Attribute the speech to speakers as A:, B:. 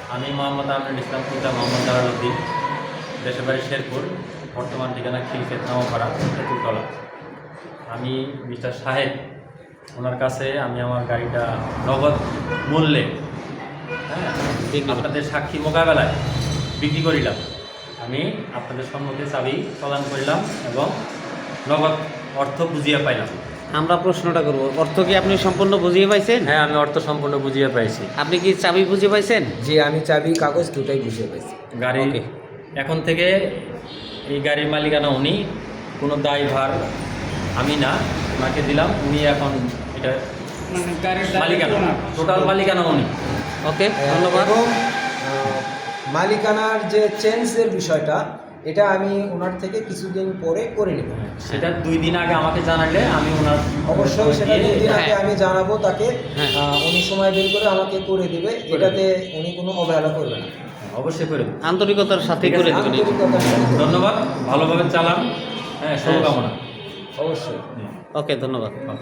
A: আমি মোহাম্মদ আমিনুল ইসলাম, পিতা মোহাম্মদ জালালউদ্দিন, দেশের বাড়ি শেরপুর, বর্তমান ঠিকানা খিলক্ষেত নামপাড়া তেঁতুলতলা। আমি মিস্টার সাহেব ওনার কাছে আমি আমার গাড়িটা নগদ মূল্যে আপনাদের সাক্ষী মোকাবেলায় বিক্রি করিলাম। আমি আপনাদের সম্মুখে চাবি প্রদান করিলাম এবং নগদ অর্থ বুঝিয়ে পাইলাম।
B: আমরা প্রশ্নটা করব, অর্থ কি আপনি সম্পূর্ণ বুঝিয়ে পাইছেন?
A: হ্যাঁ, আমি অর্থ সম্পূর্ণ বুঝিয়ে পাইছি।
B: আপনি কি চাবি বুঝে পাইছেন?
C: জি, আমি চাবি কাগজ দুটাই বুঝিয়ে পাইছি।
A: গাড়ি
B: Okay.
A: এখন থেকে এই গাড়ির মালিকানা উনি, কোনো দায়ভার আমি না, ওনাকে দিলাম। উনি এখন এটা মালিকানা, টোটাল মালিকানা উনি।
B: ওকে, ধন্যবাদ।
C: এবং মালিকানার যে চেঞ্জের বিষয়টা, এটা আমি ওনার থেকে কিছুদিন পরে করে নেব।
A: সেটা 2 দিন আগে আমাকে জানালে আমি ওনার
C: অবশ্যই সেটা 2 দিন আগে
B: হ্যাঁ।
C: আমি জানাবো তাকে।
B: হ্যাঁ।
C: উনি সময় বের করে আমাকে করে দিবে, এটাতে উনি কোনো অবহেলা করবে না।
A: অবশ্যই করে দেব।
B: আন্তরিকতার সাথে
A: ঠিক আছে,
B: করে দেবেন।
C: আন্তরিকতার সাথে।
A: ধন্যবাদ, ভালোভাবে চালান। হ্যাঁ, শুভকামনা।
C: অবশ্যই।
B: ওকে, ধন্যবাদ।